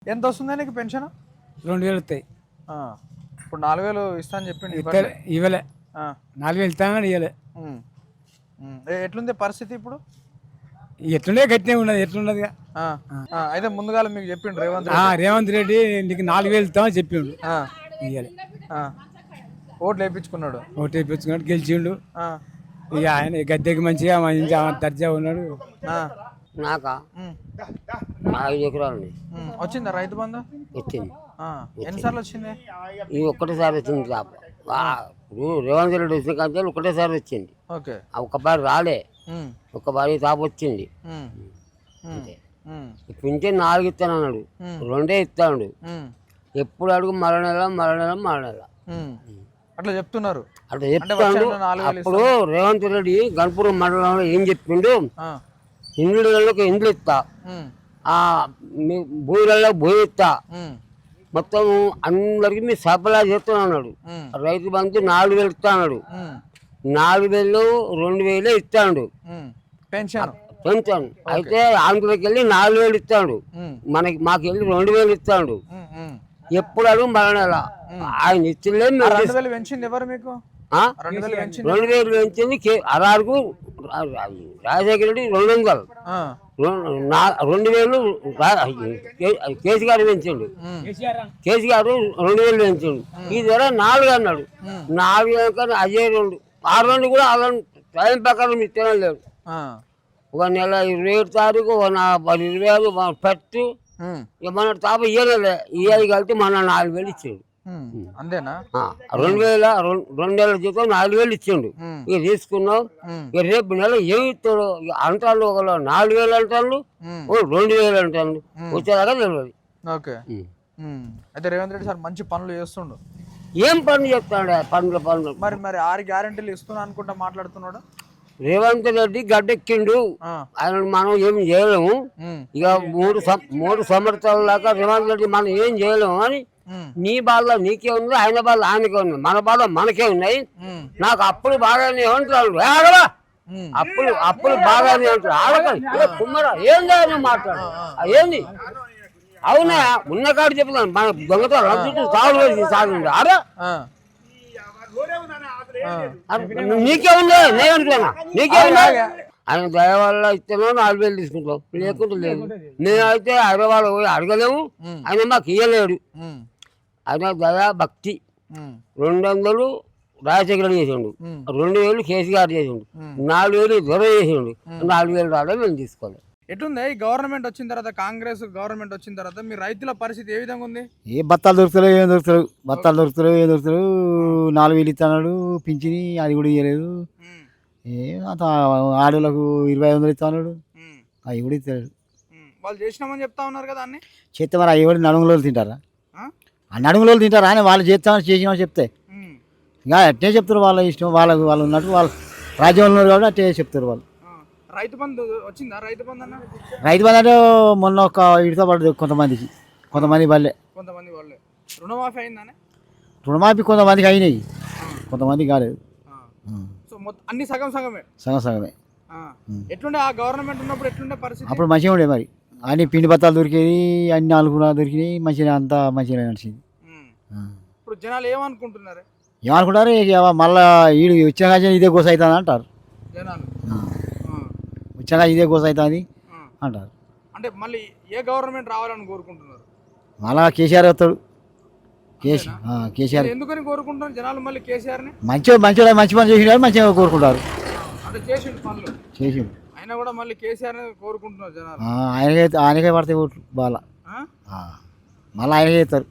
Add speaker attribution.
Speaker 1: ఎంత వస్తుంది నీకు పెన్షన్?
Speaker 2: 2000 వస్తాయి.
Speaker 1: ఇప్పుడు 4000 ఇస్తా అని చెప్పిండు.
Speaker 2: ఇవ్వలే. 4000 ఇస్తాను కానీ ఇవ్వలే.
Speaker 1: ఎట్లుంది పరిస్థితి ఇప్పుడు?
Speaker 2: ఎట్లుండే గట్టినే ఉన్నది. ఎట్లున్నది
Speaker 1: అయితే ముందుగా మీకు చెప్పిండు
Speaker 2: రేవంత్ రెడ్డి నీకు 4000 ఇస్తామని చెప్పిండు. ఇవ్వలే.
Speaker 1: ఓట్లు వేయించుకున్నాడు.
Speaker 2: ఓట్లు వేయించుకున్నాడు, గెలిచిండు. ఇక ఆయన గద్దెకి మంచిగా దర్జా ఉన్నాడు.
Speaker 3: నాకా 5 ఎకరాలు
Speaker 1: వచ్చిందా రైతు బంధు?
Speaker 3: వచ్చింది.
Speaker 1: ఎన్నిసార్లు వచ్చింది?
Speaker 3: ఇది ఒక్కటేసారి వచ్చింది. రేవంత్ రెడ్డి వచ్చిన కానీ ఒకటేసారి వచ్చింది. ఒక్కసారి రాలే, ఒక్కసారి తాపు వచ్చింది. పింఛన్ 4 ఇస్తాను అన్నాడు, 2 ఇస్తాడు. ఎప్పుడు అడుగు మరో నెల
Speaker 1: అట్లా చెప్తున్నారు.
Speaker 3: అట్లా చెప్తాడు. అప్పుడు రేవంత్ రెడ్డి గణపురం మండలంలో ఏం చెప్పిండు, ఇండ్లకి ఇండ్లు ఇస్తా, భూములలో భూమి ఇస్తా, మొత్తం అందరికి మీ సరఫరా చేస్తున్నా అన్నాడు. రైతు బంధు 4000 ఇస్తా అన్నాడు. 4000 2000 ఇస్తాడు పెన్షన్. అయితే ఆంధ్రకి వెళ్ళి 4000 ఇస్తాడు, మాకు వెళ్ళి 2000 ఇస్తాడు. ఎప్పుడు అడుగు మరణాల ఆయన ఇచ్చలే.
Speaker 1: 2000 పెంచింది ఎవరు మీకు?
Speaker 3: 2000 పెంచింది అరారుకు రాజశేఖర రెడ్డి 200, 2000 కేసీఆర్ పెంచండు. కేసీఆర్ 2000 పెంచండు. ఇది వల్ల 4 అన్నాడు. 4 కానీ అజయ్ 2, 2 కూడా అలా టైం ప్రకారం ఇస్తేనే లేడు. ఒక నెల 27 తారీఖు 25 పెట్టు మన తాప ఇయ్యలే. ఇయ్యాలి కలిపి మన 4000 ఇచ్చాడు.
Speaker 1: అంతేనా?
Speaker 3: 2000 జీతం 4000 ఇచ్చిండు. ఇక తీసుకున్నావు. ఇక రేపు నెల ఏమి ఇస్తాడు అంటాడు. ఒకళ్ళు 4000 అంటాడు, 2000 అంటాడు. వచ్చేదాకా తెలియదు.
Speaker 1: ఓకే. అయితే రేవంత్ రెడ్డి సార్ మంచి పనులు చేస్తుండు.
Speaker 3: ఏం పనులు చెప్తాడు? పనులు
Speaker 1: మరి 6 గ్యారెంటీలు ఇస్తున్నా అనుకుంటా మాట్లాడుతున్నాడు.
Speaker 3: రేవంత్ రెడ్డి గడ్డెక్కిండు, ఆయన మనం ఏం చేయలేము. ఇక 3 సంవత్సరాల దాకా రేవంత్ రెడ్డి మనం ఏం చేయలేము అని నీ బాధ నీకే ఉంది, ఆయన బాధ ఆయనకే ఉంది, మన బాధ మనకే ఉన్నాయి. నాకు అప్పులు బాగానే ఉంటాడు. అప్పులు బాగానే ఉంటాడు. ఆడకండి కుమ్మరా ఏం చేయాలి మాట్లాడు. ఏంది అవునా? ఉన్న కాడు చెప్తాను. మన దొంగతో రంజు సాగు ఆరా నీకే ఉందా? నేను అంటున్నా నీకే ఉందా? ఆయన దయ వల్ల ఇస్తేనో 4000 తీసుకుంటాం, లేకుండా లేదు. నేనైతే హైదరాబాద్ పోయి అడగలేము, ఆయన మాకు ఇయ్యలేడు. ఆయన దయా భక్తి. 200 రాజశేఖర చేసిండు, 2000 కేసీఆర్ చేసిండు, 4000 దొర చేసిండు, 4000 రావడం మేము తీసుకోవాలి.
Speaker 1: ఎట్లుంది ఈ గవర్నమెంట్ వచ్చిన తర్వాత, కాంగ్రెస్ గవర్నమెంట్ వచ్చిన తర్వాత మీ రైతుల పరిస్థితి ఏ విధంగా ఉంది?
Speaker 2: ఏ బత్తాలు దొరుకుతలేవు, ఏం దొరుకుతారు? బత్తాలు దొరుకుతలేవు, ఏం దొరుకుతారు? 4000 ఇస్తున్నాడు పింఛని, అది కూడా ఇవ్వలేదు. అంత ఆడోళ్ళకు 2500 ఇస్తున్నాడు, అవి కూడా ఇస్తాడు.
Speaker 1: వాళ్ళు చేసినామని చెప్తా ఉన్నారు కదా అన్ని.
Speaker 2: చేస్తే మరి అవి కూడా నడుములో తింటారా? ఆ నడుములో తింటారా అని వాళ్ళు చేస్తామని చేసినామని చెప్తే ఇంకా అట్టే చెప్తారు. వాళ్ళ ఇష్టం, వాళ్ళు ఉన్నట్టు వాళ్ళు రాజ్యంలో ఉన్నారు కాబట్టి అట్టే చెప్తారు వాళ్ళు.
Speaker 1: రైతు బంధు వచ్చిందా? రైతు బంధు
Speaker 2: అంటే మొన్న ఒక ఇడితో పడదు కొంతమంది వాళ్ళే.
Speaker 1: రుణమాఫీ అయిందానే?
Speaker 2: రుణమాఫీ కొంతమందికి అయినాయి, కొంతమంది కాలేదు.
Speaker 1: అన్ని సగమే. ఎట్లుండే ఆ గవర్నమెంట్ ఉన్నప్పుడు? ఎట్లుండే పరిస్థితి
Speaker 2: అప్పుడు మంచిగా ఉండే. మరి అన్ని పిండి బత్తాలు దొరికేది, అన్ని 4 దొరికినాయి, మంచిగా అంతా మంచిగా నడిచింది.
Speaker 1: ఇప్పుడు జనాలు ఏమనుకుంటున్నారు?
Speaker 2: మళ్ళా ఈడు వచ్చిన ఇదే గోస అవుతుంది అంటారు
Speaker 1: జనాలు.
Speaker 2: వచ్చాక ఇదే గోస అవుతుంది అంటారు.
Speaker 1: అంటే మళ్ళీ ఏ గవర్నమెంట్ రావాలని కోరుకుంటున్నారు?
Speaker 2: మళ్ళా కేసీఆర్ వస్తాడు. కేసీఆర్
Speaker 1: ఎందుకని కోరుకుంటున్నారు జనాలు? మళ్ళీ కేసీఆర్
Speaker 2: మంచి పని చేసినారు, మంచిగా కోరుకుంటారు.
Speaker 1: అంటే చేసిండు పనులు,
Speaker 2: చేసిండు.
Speaker 1: అయినా కూడా మళ్ళీ కేసీఆర్ కోరుకుంటున్నారు జనాలు.
Speaker 2: ఆయనకే పడతాయి ఓట్లు బాగా, మళ్ళీ ఆయనకే చేస్తారు.